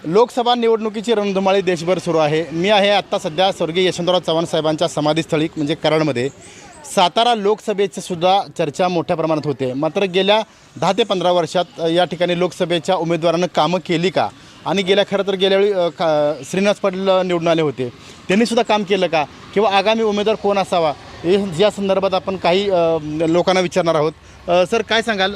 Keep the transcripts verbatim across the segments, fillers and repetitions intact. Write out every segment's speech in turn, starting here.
लोकसभा निवडणुकीची रणधुमाळी देशभर सुरू आहे. मी आहे आत्ता सध्या स्वर्गीय यशवंतराव चव्हाण साहेबांच्या समाधीस्थळी म्हणजे कराडमध्ये. सातारा लोकसभेची सुद्धा चर्चा मोठ्या प्रमाणात होते. मात्र गेल्या दहा ते पंधरा वर्षात या ठिकाणी लोकसभेच्या उमेदवारांना कामं केली का, आणि गेल्या खरं तर गेल्या वेळी का श्रीनिवास पाटील निवडून आले होते, त्यांनीसुद्धा काम केलं का, किंवा आगामी उमेदवार कोण असावा हे या संदर्भात आपण काही लोकांना विचारणार आहोत. सर काय सांगाल,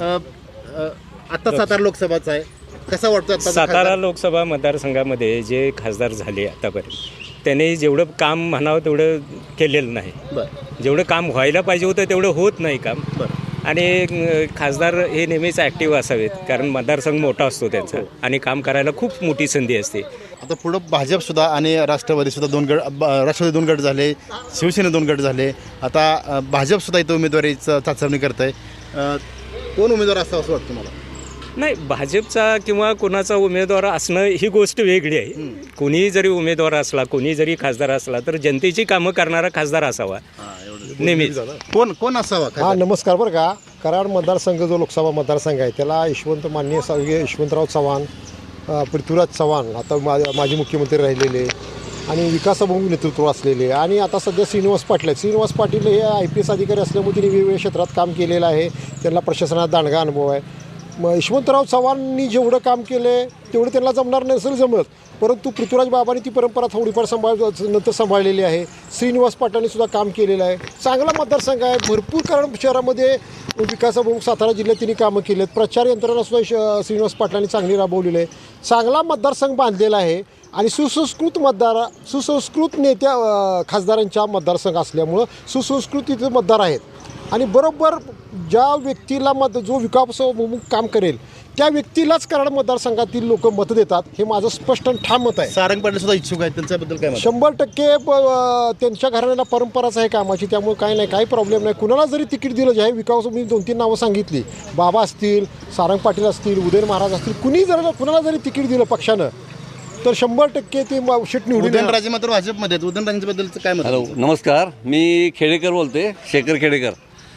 आत्ता सातारा लोकसभाचा आहे, कसा वाटतं सातारा लोकसभा मतदारसंघामध्ये जे खासदार झाले आतापर्यंत त्यांनी जेवढं काम म्हणावं तेवढं केलेलं नाही. बरं. जेवढं काम व्हायला पाहिजे होतं तेवढं होत नाही काम. बरं. आणि खासदार हे नेहमीच ॲक्टिव्ह असावेत, कारण मतदारसंघ मोठा असतो त्यांचा आणि काम करायला खूप मोठी संधी असते. आता पुढं भाजपसुद्धा आणि राष्ट्रवादीसुद्धा दोन गट, राष्ट्रवादी दोन गट झाले, शिवसेना दोन गट झाले, आता भाजपसुद्धा इथं उमेदवारीचं चाचणी करत आहे. कोण उमेदवार असावं असं वाटतं मला? नाही, भाजपचा किंवा कोणाचा उमेदवार असणं ही गोष्ट वेगळी आहे. कोणीही जरी उमेदवार असला, कोणी जरी खासदार असला, तर जनतेची कामं करणारा खासदार असावा नेहमीच. कोण कोण असावा? हा नमस्कार. बरं का, कराड मतदारसंघ जो लोकसभा मतदारसंघ आहे त्याला यशवंत माननीय स्वर्गीय यशवंतराव चव्हाण, पृथ्वीराज चव्हाण आता मा माजी मुख्यमंत्री राहिलेले आणि विकासाभिमुख नेतृत्व असलेले, आणि आता सध्या श्रीनिवास पाटील आहेत. श्रीनिवास पाटील हे आय पी एस अधिकारी असल्यामुळे त्यांनी वेगवेगळ्या क्षेत्रात काम केलेलं आहे, त्यांना प्रशासनात दांडगा अनुभव आहे. मग यशवंतराव चव्हाणांनी जेवढं काम केलं आहे तेवढं त्यांना जमणार नसेल जमत, परंतु पृथ्वीराज बाबांनी ती परंपरा थोडीफार सांभाळ नंतर सांभाळलेली आहे. श्रीनिवास पाटलांनी सुद्धा काम केलेलं आहे. चांगला मतदारसंघ आहे, भरपूर, कारण शहरामध्ये विकासाभिमुख सातारा जिल्ह्यात त्यांनी कामं केली आहेत. प्रचार यंत्रणासुद्धा श श्रीनिवास पाटलांनी चांगली राबवलेली आहे. चांगला मतदारसंघ बांधलेला आहे आणि सुसंस्कृत मतदार सुसंस्कृत नेत्या खासदारांच्या मतदारसंघ असल्यामुळं सुसंस्कृत तिथे मतदार आहेत. आणि बरोबर ज्या व्यक्तीला मत जो विकासाभिमुख काम करेल त्या व्यक्तीलाच कराड मतदारसंघातील लोक मत देतात, हे माझं स्पष्ट आणि ठाम मत आहे. सारंग पाटील सुद्धा इच्छुक आहेत, त्यांच्याबद्दल काय? शंभर टक्के त्यांच्या घराण्याला परंपराच आहे कामाची, त्यामुळे काय नाही, काही प्रॉब्लेम नाही. कुणाला जरी तिकीट दिलं, जे आहे विकास, मी दोन तीन नावं सांगितली, बाबा असतील, सारंग पाटील असतील, उदयन महाराज असतील, कुणी जर कुणाला जरी तिकीट दिलं पक्षानं तर शंभर टक्के ते शेट निवडून. उदयनराजे मात्र भाजपमध्ये आहेत, उदयनराजेंबद्दलचं काय मत? हॅलो, नमस्कार. मी खेडेकर बोलते, शेखर खेडेकर.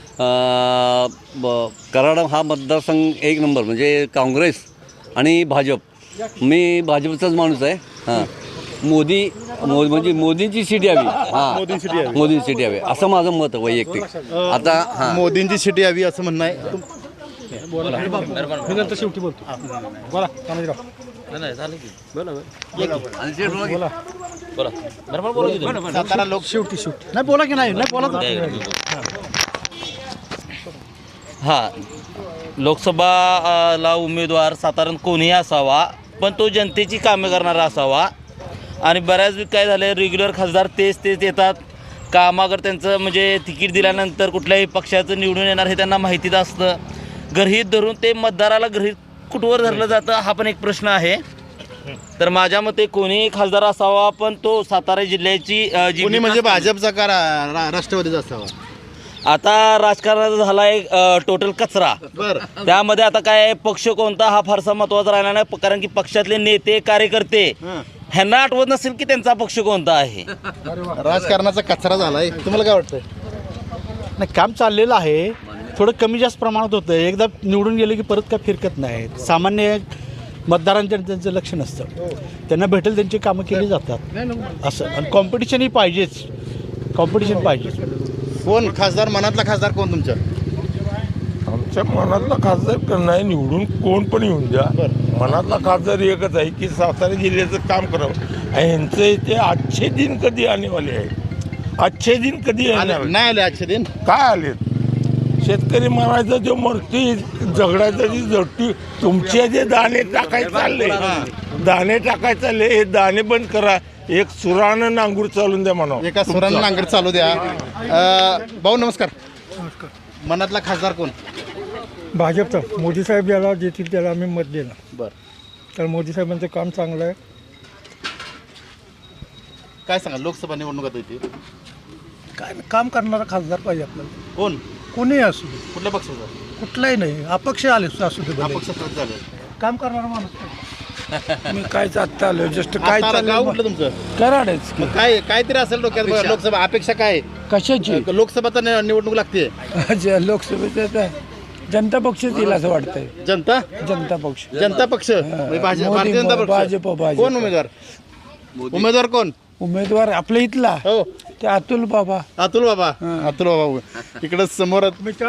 ब कराड हा मतदारसंघ एक नंबर म्हणजे काँग्रेस आणि भाजप. मी भाजपचाच माणूस आहे. हां, मोदी मो म्हणजे मोदींची सीट यावी. हां, मोदींची सीट यावी असं माझं मत आहे वैयक्तिक. आता हां, मोदींची सीट यावी असं म्हणणं आहे. शेवटी बोलतो. बोला सातारा लोक शेवटी शेवटी नाही बोला की नाही नाही बोला. हां, लोकसभाला उमेदवार साधारण कोणीही असावा, पण तो जनतेची कामे करणारा असावा. आणि बऱ्याच काय झालं, रेग्युलर खासदार तेच तेच येतात कामागर, त्यांचं म्हणजे तिकीट दिल्यानंतर कुठल्याही पक्षाचं निवडून येणार हे त्यांना माहितीच असतं. गृहीत धरून ते मतदाराला गृहीत कुठवर धरलं जातं हा पण एक प्रश्न आहे. तर माझ्या मते कोणीही खासदार असावा, पण तो सातारा जिल्ह्याची जी कोणी म्हणजे भाजपचा का रा- रा- राष्ट्रवादीचा असावा? आता राजकारणाचा झाला एक टोटल कचरा. बरं. त्यामध्ये आता काय पक्ष कोणता हा फारसा महत्त्वाचा राहिला नाही, कारण की पक्षातले नेते कार्यकर्ते ह्यांना आठवत नसेल की त्यांचा पक्ष कोणता आहे. राजकारणाचा कचरा झालाय, तुम्हाला काय वाटतंय? नाही, काम चाललेलं आहे, थोडं कमी जास्त प्रमाणात होतं. एकदा निवडून गेले की परत काय फिरकत नाही. सामान्य मतदारांच्या त्यांचं लक्ष नसतं, त्यांना भेटेल त्यांची कामं केली जातात असं. आणि कॉम्पिटिशनही पाहिजेच, कॉम्पिटिशन पाहिजेच. कोण खासदार, मनातला खासदार कोण तुमच्या? आमच्या मनातला खासदार नाही, निवडून कोण पण येऊन द्या, मनातला खासदार एकच आहे की सातारा जिल्ह्याचं काम करावं. यांचं इथे आजचे दिन कधी आणेवाले आहे, आजचे दिन कधी येणार नाही आले आजचे दिन. काय आले? शेतकरी म्हणायचं जो मरती झगडायचं जी जगती, तुमचे जे दाणे टाकायचे चालले, दाणे टाकायचे चालले, हे दाणे बंद करा, एक सुरानं नांगूर चालून द्या म्हणा, एका सुरानं नांगर चालू द्या. भाऊ नमस्कार. मनातला खासदार कोण? भाजपचा. मोदी साहेब ज्याला देतील त्याला आम्ही मत देणार. बरं. तर मोदी साहेबांचं काम चांगलं आहे. काय सांगा, लोकसभा निवडणुकात येते, काय काम करणारा खासदार पाहिजे आपल्याला, कोण? कोणीही असू दे, कुठल्या पक्षाचा? कुठलाही नाही, अपक्ष आले असू दे, भले. अपक्ष झाले. काम करणारा माणूस पाहिजे. मी काय चालतं आलो जस्ट काय आता गाव कुठलं तुमचं? कराडच मग काय काहीतरी असेल डोक्यात. लोकसभा अपेक्षा काय? कशाची लोकसभा तर निवडणूक लागते. लोकसभेचं जनता पक्ष येईल असं वाटतंय. जनता जनता पक्ष जनता पक्ष म्हणजे भाजप मोदी, भारतीय जनता पक्ष भाजप, भाजप. कोण उमेदवार उमेदवार कोण उमेदवार आपल्या इथला हो ते अतुल बाबा. अतुल बाबा अतुल बाबा इकडे समोर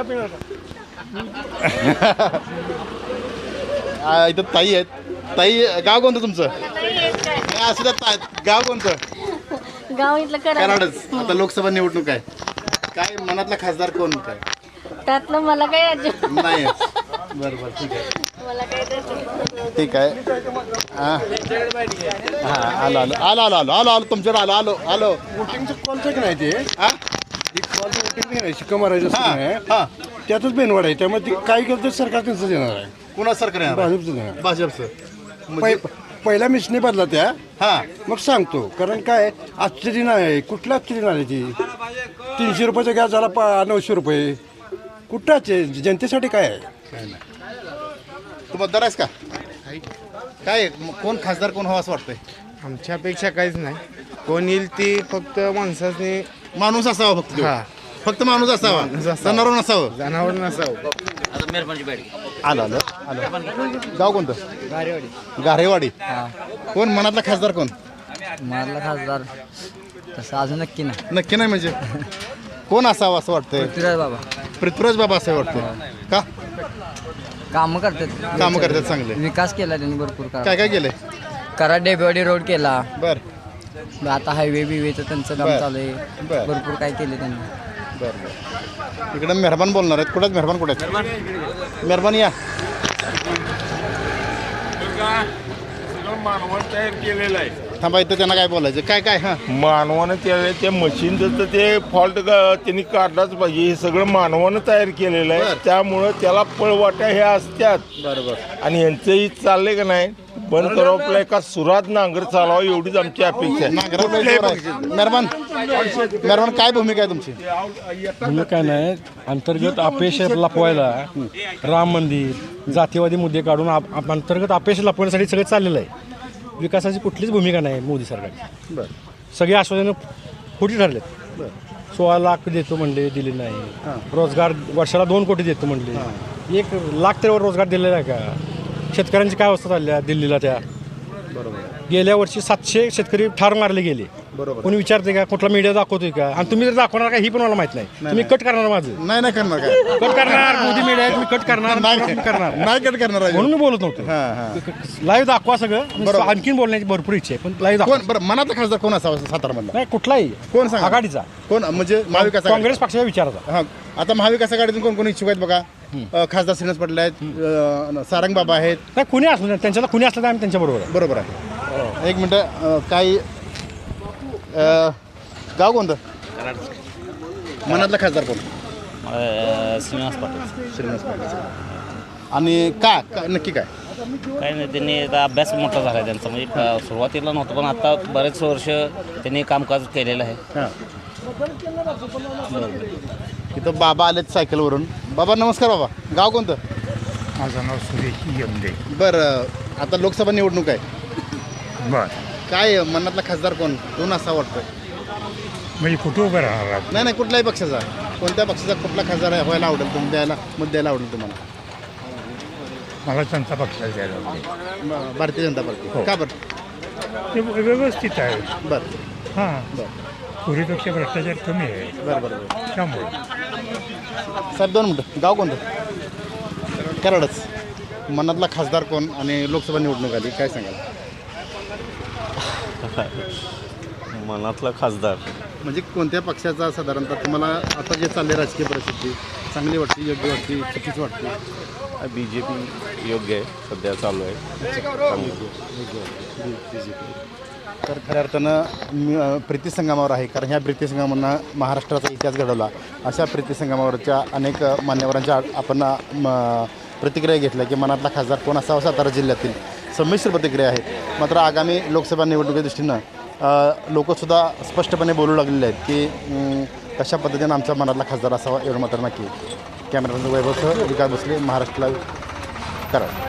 आ, इथं ताई आहेत. ताई गाव कोणतं तुमचं नाही, असू द्या ता- गाव कोणतं गाव इथलं करा कराडच. आता लोकसभा निवडणूक आहे काय मनातला खासदार कोण काय त्यातलं मला काय अजिबात नाही बरं बरं ठीक आहे मला काय त्यातलं ठीक आहे हां हां आलो आलो आलो आलो आलो आलो आलो तुमच्याकडे आलो आलो आलो वोटिंगचं कॉलचं की नाही ते हां कॉलचं वोटिंग नाही शिक्का मारायचं असतं हां नाही हां त्यातच बेनवाड आहे त्यामुळे ते काय करतं सरकार त्यांचं देणार आहे कुणा सरकार येणार? भाजपचं देणार भाजपचं म्हणजे पहि- पहिला मिसने बदला त्या हां मग सांगतो कारण काय आजचे दिन आहे कुठलं आजचे दिन आले ती तीनशे रुपयाचा गॅस झाला पा नऊशे रुपये कुठलाच आहे जनतेसाठी काय आहे. तू मतदार आहेस का काय मग कोण खासदार कोण हवा असं वाटतंय आमच्यापेक्षा काहीच नाही कोण येईल ती फक्त माणसाने माणूस असावा फक्त तो. हा. फक्त माणूस असावा जनावर नसावं जनावर नसावं. आलं आलं आलं गाव कोणतं गारेवाडी गारेवाडी कोण मनातला खासदार कोण मारला खासदार तसं अजून नक्की नाही. नक्की नाही म्हणजे कोण असावं असं वाटतंय पृथ्वीराज बाबा पृथ्वीराज बाबा असं वाटतंय का कामं करतात कामं करतात चांगले विकास केला त्यांनी भरपूर काय करा काय केलंय कराड डेबेवाडी रोड केला. बर आता हायवे बिवेचं त्यांचं काम बर. चालू आहे. बर. भरपूर काय केले त्यांनी. बर बर इकडं मेहरबान बोलणार आहेत कुठे मेहरबान कुठे आहेत मेहरबान या मानवानं तयार केलेलं आहे थांबा इथं त्यांना काय बोलायचं काय काय हां मानवानं त्या त्या मशीनचं तर ते फॉल्ट त्यांनी काढलाच पाहिजे. हे सगळं मानवानं तयार केलेलं आहे बरं. त्यामुळं त्याला पळवाट्या ह्या असत्यात बरोबर आणि यांचंही चाललंय का नाही बंद करावं आपल्या एका सुरात नांगर चालावं एवढीच आमची अपेक्षा आहे. कुठल्याही पक्षाचं. मेहरबान मेहरबान काय भूमिका आहे तुमची म्हणजे काय नाही अंतर्गत अपयश लपवायला राम मंदिर जातीवादी मुद्दे काढून आप- आप- अंतर्गत अपयश लपवण्यासाठी सगळं चाललेलं आहे. विकासाची कुठलीच भूमिका नाही मोदी सरकारची. बरं सगळे आश्वासनं खोटी ठरलेत. सोळा लाख देतो म्हणले दिले नाही. रोजगार वर्षाला दोन कोटी देतो म्हणले एक लाख तरी रोजगार दिलेला आहे का. शेतकऱ्यांची काय अवस्था चालल्या दिल्लीला त्या गेल्या वर्षी सातशे शेतकरी ठार मारले गेले. बरोबर कोणी विचारते का कुठला मीडिया दाखवतोय का आणि तुम्ही जर दाखवणार का ही पण मला माहित नाही. तुम्ही कट करणार माझं नाही नाही करणार काय कट करणार मोदी मीडिया तुम्ही कट करणार नाही करणार नाही कट करणार आहे. म्हणून मी बोलत नव्हतो. हां हां लाईव्ह दाखवा सगळं. बरोबर. आणखीन बोलण्याची भरपूर इच्छा आहे पण लाईव्ह दाखवा. कोण बरं मनातला खासदार कोण असावा सातारामधला नाही कुठलाही कोण सांगा आघाडीचा कोण म्हणजे महाविकास आघाडी? काँग्रेस पक्षाच्या विचाराचा. हां आता महाविकास आघाडीतून कोण कोण इच्छुक आहेत बघा अ, खासदार श्रीनिवास पाटील आहेत अ, सारंग बाबा आहेत नाही कुणी असलं नाही त्यांच्याला कुणी असलं तर आम्ही त्यांच्या बरोबर आहे. बरोबर आहे एक मिनटं अ, काही अ, गाव कोणतं मनातला खासदार कोण श्रीनिवास पाटील. श्रीनिवास पाटील आणि का का- नक्की काय काही नाही त्यांनी आता अभ्यास मोठा झाला आहे त्यांचा म्हणजे प- सुरुवातीला नव्हतं पण आता बरेच वर्ष त्यांनी कामकाज केलेलं आहे. हां इथं बाबा आलेत सायकलवरून. बाबा नमस्कार बाबा गाव कोणतं माझं नाव सुरेश यमदे. बरं आता लोकसभा निवडणूक आहे बर काय मनातला खासदार कोण कोण असा वाटतोय म्हणजे कुठं उभं राहणार आपण? नाही नाही कुठल्याही पक्षाचा कोणत्या पक्षाचा कुठला खासदार व्हायला आवडेल तुम्ही द्यायला मत द्यायला आवडेल तुम्हाला मला जनता पक्षाला द्यायला लागते. ब- भारतीय जनता पार्टी का बरं ते व्यवस्थित आहे. बरं हां बरं पूर्वीपेक्षा भ्रष्टाचार कमी आहे बरं बरं बरं त्यामुळे साहेब दोन मिनटं गाव कोणतं कराडच मनातला खासदार कोण आणि लोकसभा निवडणूक आली काय सांगाल मनातला खासदार म्हणजे कोणत्या पक्षाचा साधारणतः तुम्हाला आता जे चालले राजकीय परिस्थिती चांगली वाटते योग्य वाटते चुकीची वाटते बी जे पी योग्य आहे सध्या चालू आहे चांगली. तर खऱ्या अर्थानं मी अ, प्रीती संगमावर आहे कारण ह्या प्रीती संगमांना महाराष्ट्राचा इतिहास घडवला अशा प्रीती संगमावरच्या अनेक अ, मान्यवरांच्या आ- आपण अ, म, प्रतिक्रिया घेतल्या की मनातला खासदार कोण असावा सातारा जिल्ह्यातील संमिश्र प्रतिक्रिया आहेत. मात्र आगामी लोकसभा निवडणुकीच्या दृष्टीनं लोकसुद्धा स्पष्टपणे बोलू लागलेले आहेत की अं, कशा पद्धतीनं आमच्या मनातला खासदार असावा एवढं मात्र नक्की. कॅमेरामॅन वैभवसह विकास भोसले महाराष्ट्र लाईव्ह कराड.